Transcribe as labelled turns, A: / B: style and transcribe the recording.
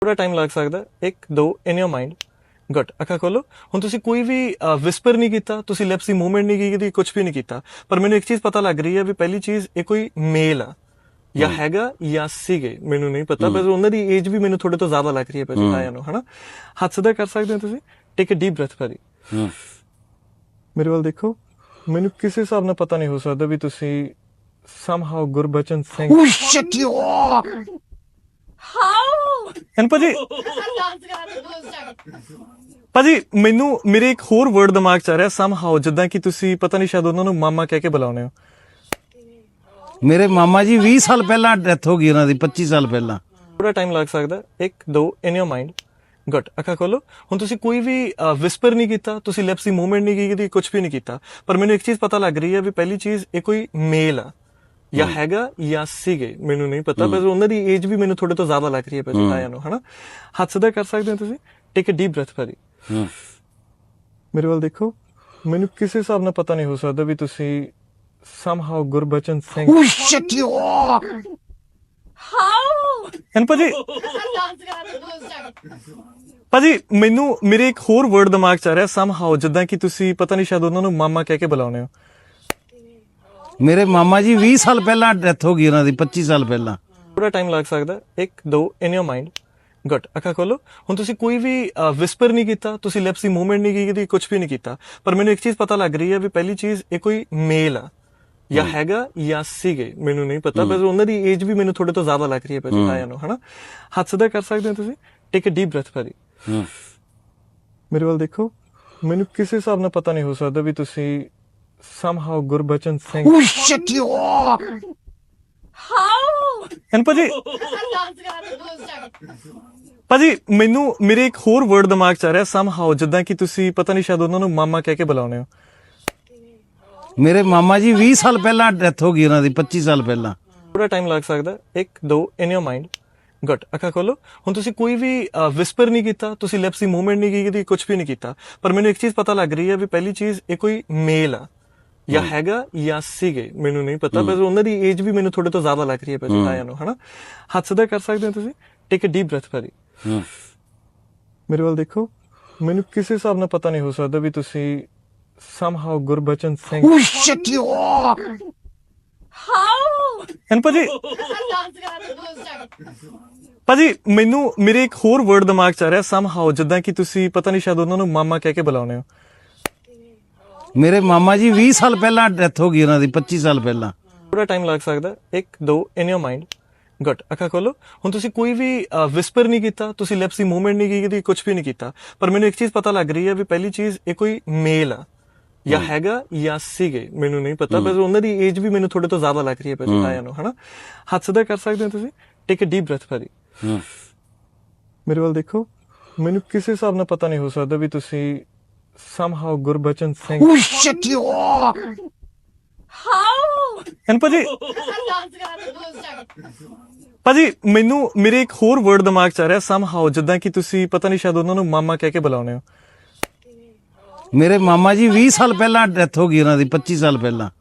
A: ਥੋੜਾ ਟਾਈਮ ਲੱਗ ਸਕਦਾ 1 2 ਇਨ ਯੋਰ ਮਾਈਂਡ ਗੁੱਡ ਅੱਖਾਂ ਖੋਲੋ ਹੁਣ ਤੁਸੀਂ ਕੋਈ ਵੀ ਵਿਸਪਰ ਨਹੀਂ ਕੀਤਾ ਤੁਸੀਂ ਲਿਪਸ ਦੀ ਮੂਵਮੈਂਟ ਨਹੀਂ ਕੀਤੀ ਕੁਝ ਵੀ ਨਹੀਂ ਕੀਤਾ ਪਰ ਮੈਨੂੰ ਇੱਕ ਚੀਜ਼ ਪਤਾ ਲੱਗ ਰਹੀ ਹੈ ਵੀ ਪਹਿਲੀ ਚੀਜ਼ ਇਹ ਕੋਈ ਮੇਲ ਆ ਜਾਂ ਹੈਗਾ ਜਾਂ ਸੀਗੇ ਮੈਨੂੰ ਨਹੀਂ ਪਤਾ ਪਰ ਉਹਨਾਂ ਦੀ ਏਜ ਵੀ ਮੈਨੂੰ ਤੁਹਾਡੇ ਤੋਂ ਜ਼ਿਆਦਾ ਲੱਗ ਰਹੀ ਹੈ ਪਹਿਲਾਂ ਆਇਆ ਨੂੰ ਹਨਾ ਹੱਥ ਸਿੱਧਾ ਕਰ ਸਕਦੇ ਹੋ ਤੁਸੀਂ ਟੇਕ ਅ ਡੀਪ ਬ੍ਰੈਥ ਭਾਜੀ ਮੇਰੇ ਵੱਲ ਦੇਖੋ ਮੈਨੂੰ ਕਿਸੇ ਹਿਸਾਬ ਨਾਲ ਪਤਾ ਨਹੀਂ ਹੋ ਸਕਦਾ ਵੀ ਤੁਸੀਂ somehow Gurbachan Singh
B: Oh shit, you are!
C: How?
A: ਐਨ ਭਾਜੀ ਮੈਨੂੰ ਮੇਰੇ ਇੱਕ ਹੋਰ ਵਰਡ ਦਿਮਾਗ ਚ ਆ ਰਿਹਾ somehow ਜਿੱਦਾਂ ਕਿ ਤੁਸੀਂ ਪਤਾ ਨਹੀਂ ਸ਼ਾਇਦ ਉਹਨਾਂ ਨੂੰ ਮਾਮਾ ਕਹਿ ਕੇ ਬੁਲਾਉਂਦੇ ਹੋ
B: ਮੇਰੇ ਮਾਮਾ ਜੀ 20 ਸਾਲ ਪਹਿਲਾਂ ਡੈਥ ਹੋ ਗਈ ਉਹਨਾਂ ਦੀ 25 ਸਾਲ ਪਹਿਲਾਂ
A: ਥੋੜਾ ਟਾਈਮ ਲੱਗ ਸਕਦਾ 1 2 ਇਨ ਯੋਰ ਮਾਈਂਡ ਗੁੱਡ ਅੱਖਾਂ ਖੋਲੋ ਹੁਣ ਤੁਸੀਂ ਕੋਈ ਵੀ ਵਿਸਪਰ ਨਹੀਂ ਕੀਤਾ ਤੁਸੀਂ ਲਿਪਸ ਦੀ ਮੂਵਮੈਂਟ ਨਹੀਂ ਕੀਤੀ ਕੁਝ ਵੀ ਨਹੀਂ ਕੀਤਾ ਪਰ ਮੈਨੂੰ ਇੱਕ ਚੀਜ਼ ਪਤਾ ਲੱਗ ਰਹੀ ਹੈ ਵੀ ਪਹਿਲੀ ਚੀਜ਼ ਇਹ ਕੋਈ ਮੇਲ ਆ ਜਾਂ ਹੈਗਾ ਜਾਂ ਸੀਗੇ ਮੈਨੂੰ ਨਹੀਂ ਪਤਾ ਪਰ ਉਹਨਾਂ ਦੀ ਏਜ ਵੀ ਮੈਨੂੰ ਤੁਹਾਡੇ ਤੋਂ ਜ਼ਿਆਦਾ ਲੱਗ ਰਹੀ ਹੈ ਪਹਿਲਾਂ ਆਇਆ ਨੂੰ ਹਨਾ ਹੱਥ ਸਿੱਧਾ ਕਰ ਸਕਦੇ ਹੋ ਤੁਸੀਂ ਟੇਕ ਅ ਡੀਪ ਬ੍ਰੈਥ ਭਾਜੀ ਮੇਰੇ ਵੱਲ ਦੇਖੋ ਮੈਨੂੰ ਕਿਸੇ ਹਿਸਾਬ ਨਾਲ ਪਤਾ ਨਹੀਂ ਹੋ ਸਕਦਾ ਵੀ ਤੁਸੀਂ somehow Gurbachan Singh
B: Oh shit, you are!
C: How?
A: ਐਨ ਭਾਜੀ ਮੈਨੂੰ ਮੇਰੇ ਇੱਕ ਹੋਰ ਵਰਡ ਦਿਮਾਗ ਚ ਆ ਰਿਹਾ somehow ਜਿੱਦਾਂ ਕਿ ਤੁਸੀਂ ਪਤਾ ਨਹੀਂ ਸ਼ਾਇਦ ਉਹਨਾਂ ਨੂੰ ਮਾਮਾ ਕਹਿ ਕੇ ਬੁਲਾਉਂਦੇ ਹੋ
B: ਮੇਰੇ ਮਾਮਾ ਜੀ 20 ਸਾਲ ਪਹਿਲਾਂ ਡੈਥ ਹੋ ਗਈ ਉਹਨਾਂ ਦੀ 25 ਸਾਲ ਪਹਿਲਾਂ
A: ਥੋੜਾ ਟਾਈਮ ਲੱਗ ਸਕਦਾ 1 2 ਇਨ ਯੋਰ ਮਾਈਂਡ ਗੁੱਡ ਅੱਖਾਂ ਖੋਲੋ ਹੁਣ ਤੁਸੀਂ ਕੋਈ ਵੀ ਵਿਸਪਰ ਨਹੀਂ ਕੀਤਾ ਤੁਸੀਂ ਲਿਪਸ ਦੀ ਮੂਵਮੈਂਟ ਨਹੀਂ ਕੀਤੀ ਕੁਝ ਵੀ ਨਹੀਂ ਕੀਤਾ ਪਰ ਮੈਨੂੰ ਇੱਕ ਚੀਜ਼ ਪਤਾ ਲੱਗ ਰਹੀ ਹੈ ਵੀ ਪਹਿਲੀ ਚੀਜ਼ ਇਹ ਕੋਈ ਮੇਲ ਆ ਜਾਂ ਹੈਗਾ ਜਾਂ ਸੀਗੇ ਮੈਨੂੰ ਨਹੀਂ ਪਤਾ ਪਰ ਉਹਨਾਂ ਦੀ ਏਜ ਵੀ ਮੈਨੂੰ ਤੁਹਾਡੇ ਤੋਂ ਜ਼ਿਆਦਾ ਲੱਗ ਰਹੀ ਹੈ ਪਹਿਲਾਂ ਆਇਆ ਨੂੰ ਹਨਾ ਹੱਥ ਸਿੱਧਾ ਕਰ ਸਕਦੇ ਹੋ ਤੁਸੀਂ ਟੇਕ ਅ ਡੀਪ ਬ੍ਰੈਥ ਭਾਜੀ ਮੇਰੇ ਵੱਲ ਦੇਖੋ ਮੈਨੂੰ ਕਿਸੇ ਹਿਸਾਬ ਨਾਲ ਪਤਾ ਨਹੀਂ ਹੋ ਸਕਦਾ ਵੀ ਤੁਸੀਂ somehow Gurbachan Singh
B: Oh shit, you are!
C: How?
A: ਐਨ ਭਾਜੀ ਮੈਨੂੰ ਮੇਰੇ ਇੱਕ ਹੋਰ ਵਰਡ ਦਿਮਾਗ ਚ ਆ ਰਿਹਾ somehow ਜਿੱਦਾਂ ਕਿ ਤੁਸੀਂ ਪਤਾ ਨਹੀਂ ਸ਼ਾਇਦ ਉਹਨਾਂ ਨੂੰ ਮਾਮਾ ਕਹਿ ਕੇ ਬੁਲਾਉਂਦੇ ਹੋ
B: ਮੇਰੇ ਮਾਮਾ ਜੀ 20 ਸਾਲ ਪਹਿਲਾਂ ਡੈਥ ਹੋ ਗਈ ਉਹਨਾਂ ਦੀ 25 ਸਾਲ ਪਹਿਲਾਂ
A: ਥੋੜਾ ਟਾਈਮ ਲੱਗ ਸਕਦਾ 1 2 ਇਨ ਯੋਰ ਮਾਈਂਡ ਗੁੱਡ ਅੱਖਾਂ ਖੋਲੋ ਹੁਣ ਤੁਸੀਂ ਕੋਈ ਵੀ ਵਿਸਪਰ ਨਹੀਂ ਕੀਤਾ ਤੁਸੀਂ ਲਿਪਸ ਦੀ ਮੂਵਮੈਂਟ ਨਹੀਂ ਕੀਤੀ ਕੁਝ ਵੀ ਨਹੀਂ ਕੀਤਾ ਪਰ ਮੈਨੂੰ ਇੱਕ ਚੀਜ਼ ਪਤਾ ਲੱਗ ਰਹੀ ਹੈ ਵੀ ਪਹਿਲੀ ਚੀਜ਼ ਇਹ ਕੋਈ ਮੇਲ ਆ ਜਾਂ ਹੈਗਾ ਜਾਂ ਸੀਗੇ ਮੈਨੂੰ ਨਹੀਂ ਪਤਾ ਪਰ ਉਹਨਾਂ ਦੀ ਏਜ ਵੀ ਮੈਨੂੰ ਤੁਹਾਡੇ ਤੋਂ ਜ਼ਿਆਦਾ ਲੱਗ ਰਹੀ ਹੈ ਪਹਿਲਾਂ ਆਇਆ ਨੂੰ ਹਨਾ ਹੱਥ ਸਿੱਧਾ ਕਰ ਸਕਦੇ ਹੋ ਤੁਸੀਂ ਟੇਕ ਅ ਡੀਪ ਬ੍ਰੈਥ ਭਾਜੀ ਮੇਰੇ ਵੱਲ ਦੇਖੋ ਮੈਨੂੰ ਕਿਸੇ ਹਿਸਾਬ ਨਾਲ ਪਤਾ ਨਹੀਂ ਹੋ ਸਕਦਾ ਵੀ ਤੁਸੀਂ somehow Gurbachan Singh
B: Oh shit, you are!
C: How?
A: ਐਨ ਭਾਜੀ ਮੈਨੂੰ ਮੇਰੇ ਇੱਕ ਹੋਰ ਵਰਡ ਦਿਮਾਗ ਚ ਆ ਰਿਹਾ somehow ਜਿੱਦਾਂ ਕਿ ਤੁਸੀਂ ਪਤਾ ਨਹੀਂ ਸ਼ਾਇਦ ਉਹਨਾਂ ਨੂੰ ਮਾਮਾ ਕਹਿ ਕੇ ਬੁਲਾਉਂਦੇ ਹੋ
B: ਮੇਰੇ ਮਾਮਾ ਜੀ 20 ਸਾਲ ਪਹਿਲਾਂ ਡੈਥ ਹੋ ਗਈ ਉਹਨਾਂ ਦੀ 25 ਸਾਲ ਪਹਿਲਾਂ
A: ਥੋੜਾ ਟਾਈਮ ਲੱਗ ਸਕਦਾ 1 2 ਇਨ ਯੋਰ ਮਾਈਂਡ ਗੁੱਡ ਅੱਖਾਂ ਖੋਲੋ ਹੁਣ ਤੁਸੀਂ ਕੋਈ ਵੀ ਵਿਸਪਰ ਨਹੀਂ ਕੀਤਾ ਤੁਸੀਂ ਲਿਪਸ ਦੀ ਮੂਵਮੈਂਟ ਨਹੀਂ ਕੀਤੀ ਕੁਝ ਵੀ ਨਹੀਂ ਕੀਤਾ ਪਰ ਮੈਨੂੰ ਇੱਕ ਚੀਜ਼ ਪਤਾ ਲੱਗ ਰਹੀ ਹੈ ਵੀ ਪਹਿਲੀ ਚੀਜ਼ ਇਹ ਕੋਈ ਮੇਲ ਆ ਜਾਂ ਹੈਗਾ ਜਾਂ ਸੀਗੇ ਮੈਨੂੰ ਨਹੀਂ ਪਤਾ ਪਰ ਉਹਨਾਂ ਦੀ ਏਜ ਵੀ ਮੈਨੂੰ ਤੁਹਾਡੇ ਤੋਂ ਜ਼ਿਆਦਾ ਲੱਗ ਰਹੀ ਹੈ ਪਹਿਲਾਂ ਆਇਆ ਨੂੰ ਹਨਾ ਹੱਥ ਸਿੱਧਾ ਕਰ ਸਕਦੇ ਹੋ ਤੁਸੀਂ ਟੇਕ ਅ ਡੀਪ ਬ੍ਰੈਥ ਭਾਜੀ ਮੇਰੇ ਵੱਲ ਦੇਖੋ ਮੈਨੂੰ ਕਿਸੇ ਹਿਸਾਬ ਨਾਲ ਪਤਾ ਨਹੀਂ ਹੋ ਸਕਦਾ ਵੀ ਤੁਸੀਂ somehow Gurbachan Singh
B: Oh shit, you are!
C: How?
A: ਐਨ ਭਾਜੀ ਮੈਨੂੰ ਮੇਰੇ ਇੱਕ ਹੋਰ ਵਰਡ ਦਿਮਾਗ ਚ ਆ ਰਿਹਾ somehow ਜਿੱਦਾਂ ਕਿ ਤੁਸੀਂ ਪਤਾ ਨਹੀਂ ਸ਼ਾਇਦ ਉਹਨਾਂ ਨੂੰ ਮਾਮਾ ਕਹਿ ਕੇ ਬੁਲਾਉਂਦੇ ਹੋ
B: ਮੇਰੇ ਮਾਮਾ ਜੀ 20 ਸਾਲ ਪਹਿਲਾਂ ਡੈਥ ਹੋ ਗਈ ਉਹਨਾਂ ਦੀ 25 ਸਾਲ ਪਹਿਲਾਂ